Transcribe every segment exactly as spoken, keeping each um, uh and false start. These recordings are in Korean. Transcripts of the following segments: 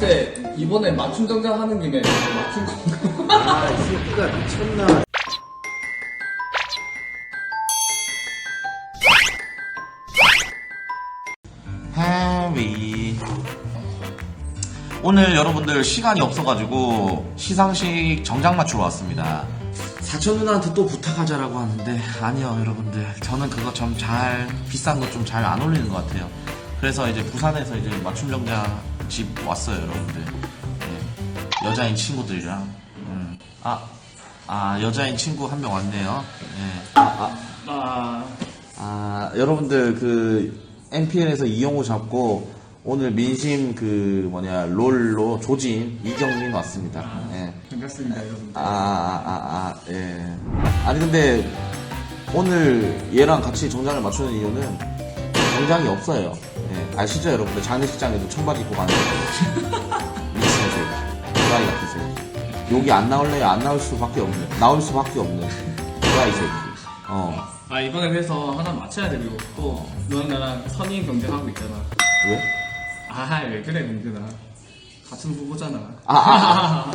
때 이번에 맞춤 정장 하는 김에 맞춤 정장. 아, 이 새끼가 미쳤나. 해위. 오늘 여러분들 시간이 없어가지고 시상식 정장 맞추러 왔습니다. 사촌 누나한테 또 부탁하자라고 하는데 아니요 여러분들, 저는 그거 좀 잘 비싼 거 좀 잘 안 어울리는 것 같아요. 그래서 이제 부산에서 이제 맞춤 정장 집 왔어요 여러분들. 네. 여자인 친구들이랑 음. 아, 아 여자인 친구 한 명 왔네요. 네. 아, 아, 아, 아 여러분들 그 엠피엘에서 이영호 잡고 오늘 민심 그 뭐냐 롤로 조진 이경민 왔습니다. 예. 반갑습니다 여러분들. 아, 아, 아, 아, 예. 아니 근데 오늘 얘랑 같이 정장을 맞추는 이유는 정장이 없어요. 예. 아시죠 여러분들? 장례식장에도 청바지 입고 가는 거. 미친 새끼. 드라이 같은 새끼. 여기 안 나올래요? 안 나올 수밖에 없는. 나올 수밖에 없는. 드라이 새끼. 어. 아 이번에 그래서 하나 맞춰야 되고 또 너랑 나랑 선의인 경쟁하고 있잖아. 왜? 아 왜 그래 민준아. 같은 후보잖아. 아, 아, 아.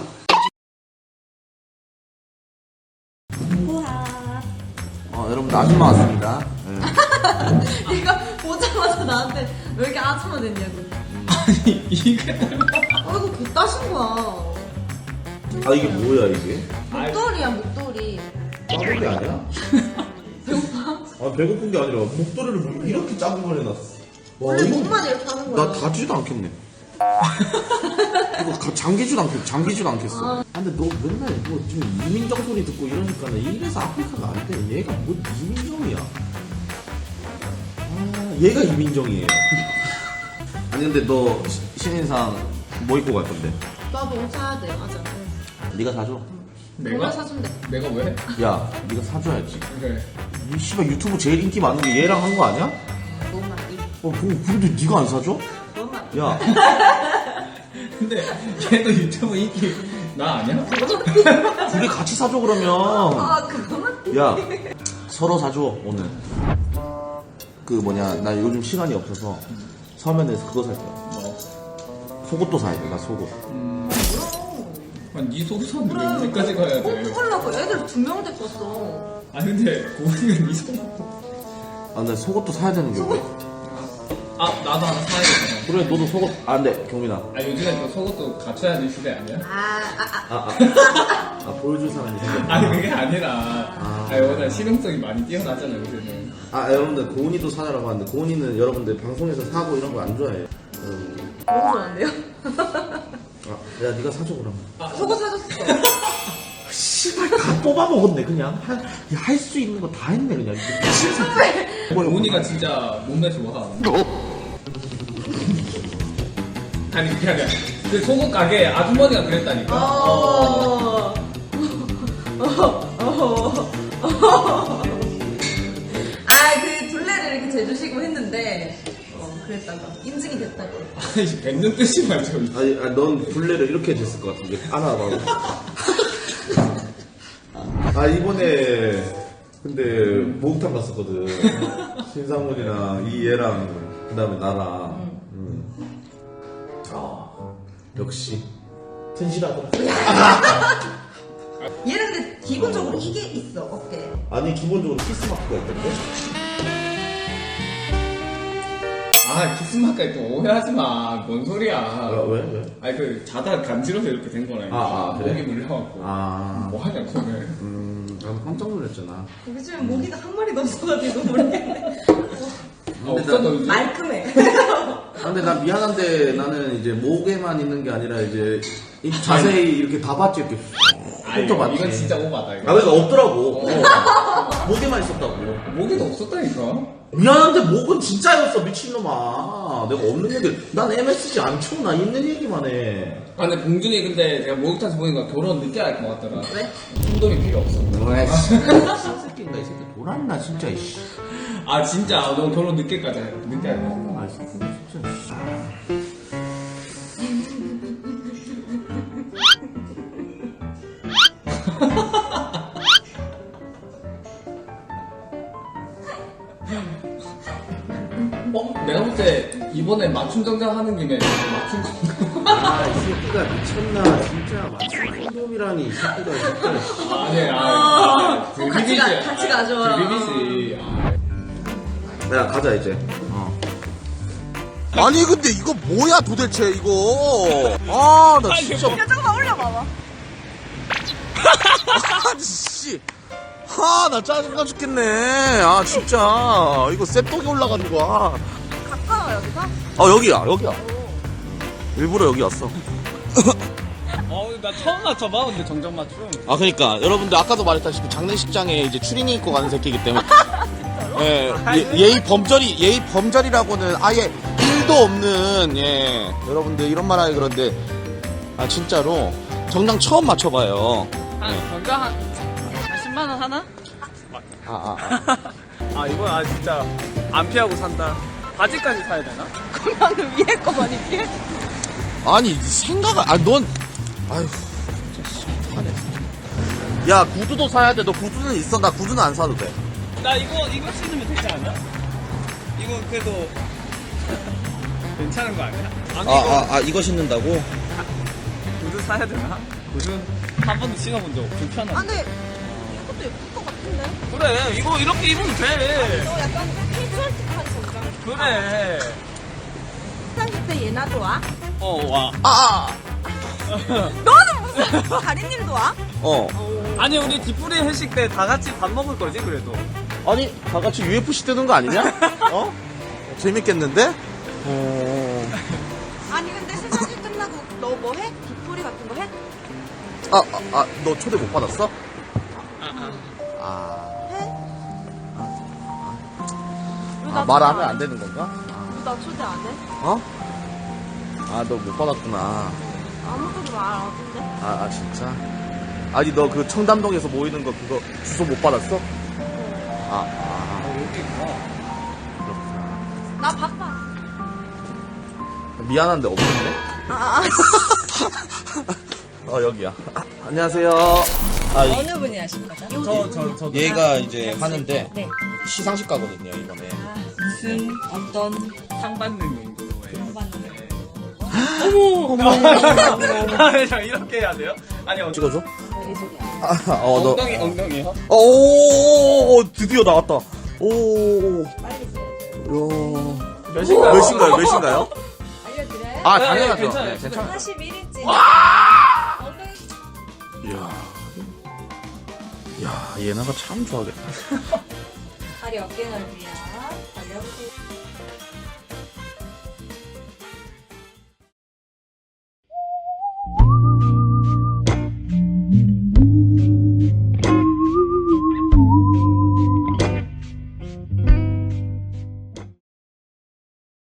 어, 여러분들 아줌마 왔습니다. 네. 이거 보자마자 나한테 왜 이렇게 아줌마 됐냐고. 아니 이게 아 이거 개따신 거야. 아, 이게 뭐야, 이게? 목도리야 목도리. 작은 아니야? 배고파? 아, 배고픈 게 아니라 목도리를 뭐 이렇게 작은 걸 해놨어. 와, 원래 이거 목만 이렇게 하는 거야. 나 다지도 않겠네. 이거 가- 잠기지도 않겠, 잠기지도 않겠어. 아, 근데 너 맨날 뭐 좀 이민정 소리 듣고 이러니까는 이래서 아프리카가 안 돼. 얘가 뭐 이민정이야. 아, 얘가 이민정이에요. 아니 근데 너 시- 신인상 뭐 입고 갈 건데? 나도 옷 사야 돼. 맞아. 네가 사줘. 내가 내가 사준대. 내가 왜? 야, 네가 사줘야지. 그래. 이 씨발 유튜브 제일 인기 많은 게 얘랑 한 거 아니야? 너무 많이. 어, 그- 근데 네가 안 사줘? 너무 많이. 야, 근데 걔도 유튜브 인기 나 아니야? 둘이 같이 사줘 그러면. 아 그거는? 야, 서로 사줘 오늘. 그 뭐냐, 나 요즘 시간이 없어서 서면에서 그거 살 거야. 뭐? 속옷도 사야 돼, 나 속옷. 음. 그럼. 아니 네 속옷은 왜 언제까지 가야 꼭 돼? 뽑으려고 애들 두 명 데리고 왔어. 아 근데 고은이가 네 속옷. 아, 근데 속옷도 사야 되는 게 왜? 아 나도 하나 사야겠다. 그래, 너도 속옷. 아, 근데 경민아. 아 요즘에 또 속옷도 갖춰야 될 시대 아니야? 아아 아. 아, 아, 아, 보여줄 사람이 생겼다. 아니 그게 아니라 아. 아 워낙 실용성이 많이 뛰어나잖아 요즘은. 아, 여러분들, 고은이도 사자라고 하는데, 고은이는 여러분들 방송에서 사고 이런 거 안 좋아해요. 음, 너무 좋아한대요? 아, 야, 네가 사줘, 그러면. 속옷 사줬어. 씨발, 다 뽑아 먹었네, 그냥. 할 수 있는 거 다 했네, 그냥. 미친 새끼. 고은이가 진짜 몸매 좋아. 아니 그게 아니라 그 속옷 가게 아주머니가 그랬다니까. 어. 아, 그 둘레를 이렇게 재주시고 했는데, 어, 그랬다가, 인증이 됐다고. 아니 뱉는 뜻이 말죠. 아니, 아, 넌 블레를 이렇게 됐을 것 같은데. 안아봐. 아, 이번에, 근데, 목욕탕 갔었거든. 신상문이랑 이 얘랑, 그 다음에 나랑. 음. 아, 역시. 튼실하더라. 얘는 근데 기본적으로 이게 있어, 어깨. 아니, 기본적으로 키스마크가 있던데? 아 키스마까지 또 오해하지 마. 뭔 소리야. 아, 왜? 왜? 아니 그 자다 간지러서 이렇게 된 거라니까. 아, 아, 그래? 목이 물려갖고. 아, 뭐 하냐 그거는. 음, 난 깜짝 놀랐잖아. 요즘에 모기가 한 마리도 없어가지고 모르겠네. 아, 없어 너 요즘? 말끔해. 근데 난 미안한데 나는 이제 목에만 있는 게 아니라 이제 이 자세히 이렇게 다 봤지, 이렇게. 아니 훑어봤지. 이건 진짜 오바다 이거. 아, 그러니까 없더라고. 어. 목에만 있었다고. 목에도 없었다니까. 미안한데 목은 진짜였어, 미친놈아. 내가 없는 얘기, 난 엠에스지 안 쳐. 나 있는 얘기만 해. 아 근데 봉준이 근데 내가 목욕탕에서 보니까 결혼 늦게 할 것 같더라. 왜? 혼돈이 필요 없어. 아이씨. 이 새끼인가, 이 새끼. 돌았나, 진짜, 이씨. 아 진짜 너 결혼 늦게까지 해. 늦게 할 거야. 아, 이 새끼, 진짜. 어? 내가 볼 때 이번에 맞춤 정장 하는 김에 맞춤 정장. 아, 이 새끼가 미쳤나 진짜 맞춤 콘돔이라니 이 새끼가 진짜. 아네 어, 아 어, 같이 가, 같이 가져와. 비비지 야 가자 이제. 어. 아니 근데 이거 뭐야 도대체 이거. 아 나 진짜. 야, 잠깐만 올려봐봐. 아니 씨. 아 나 짜증나 죽겠네. 아 진짜 이거 쌔떡이 올라가는 거야. 가까워, 여기서? 아 여기야 여기야. 일부러 여기 왔어. 어나 처음 맞춰봐 근데 정정 맞춤 아 그러니까 여러분들 아까도 말했다시피 장례식장에 이제 추리닝 입고 가는 새끼이기 때문에 예, 예, 예의 범절이 예의 범절이라고는 아예 일도 없는 예 여러분들 이런 말하기 그런데 아 진짜로 정장 처음 맞춰봐요. 한 정정 한, 한 십만 원 하나? 아, 아, 아. 아 이건 아 진짜 안 피하고 산다 바지까지 사야 되나? 그러면 위에 거 많이 피해? 아니 생각을 아넌 아휴 진짜 씨, 어떡하네. 야 구두도 사야 돼. 너 구두는 있어? 나 구두는 안 사도 돼. 나 이거 이거 신으면 되지 않아? 이거 그래도 괜찮은 거 아니야? 아니 아, 이거 아, 아 이거 신는다고? 구두 사야 되나? 구두 한 번도 신어본 적 없어 아, 불편한데 근데 이것도 예쁠 것 같은데? 그래 이거 이렇게 입으면 돼 너 약간 캐주얼틱한 정장. 그래 시상식 때 얘나도 와? 어와 아, 아. 너는 무슨 다리님도 와? 어. 아니 우리 뒷부리 회식 때 다 같이 밥 먹을 거지 그래도 아니 다 같이 유에프씨 뜨는 거 아니냐? 어? 재밌겠는데? 어. 아니 근데 시상식 끝나고 너 뭐 해? 뒷풀이 같은 거 해? 아, 아, 아, 너 초대 못 받았어? 아, 해? 아, 말하면 안 되는 건가? 나 초대 안 해? 어? 아, 너 못 받았구나. 아무것도 말 안 하던데? 아, 아, 진짜? 아니, 너 그 청담동에서 모이는 거 그거 주소 못 받았어? 아, 아, 여기 있구나 그렇구나. 나 바빠. 미안한데 없는데? 아, 어, 여기야. 아, 안녕하세요. 아, 이- 어느 분이 하신 거죠? 저, 저, 저 얘가 이제 하는데 네. 시상식 가거든요, 이번에. 무슨 어떤 상 받는 용도로 받는 아, 자, 이렇게 해야 돼요? 아니, 어, 찍어줘? 아, 어, 너. 엉덩이, 엉덩이요? 오, 오, 오, 드디어 나왔다. 오, 빨리 써야죠. 요. 몇 시인가요? 몇 시인가요? 몇 시인가요? 알려드려요? 아, 네, 당연하죠. 괜찮아요. 네, 괜찮아요. 사십일 인치. 엉덩이 이야. 야, 얘네가 참 좋아하겠다. 다리 어깨 넓이야. 달려보세요.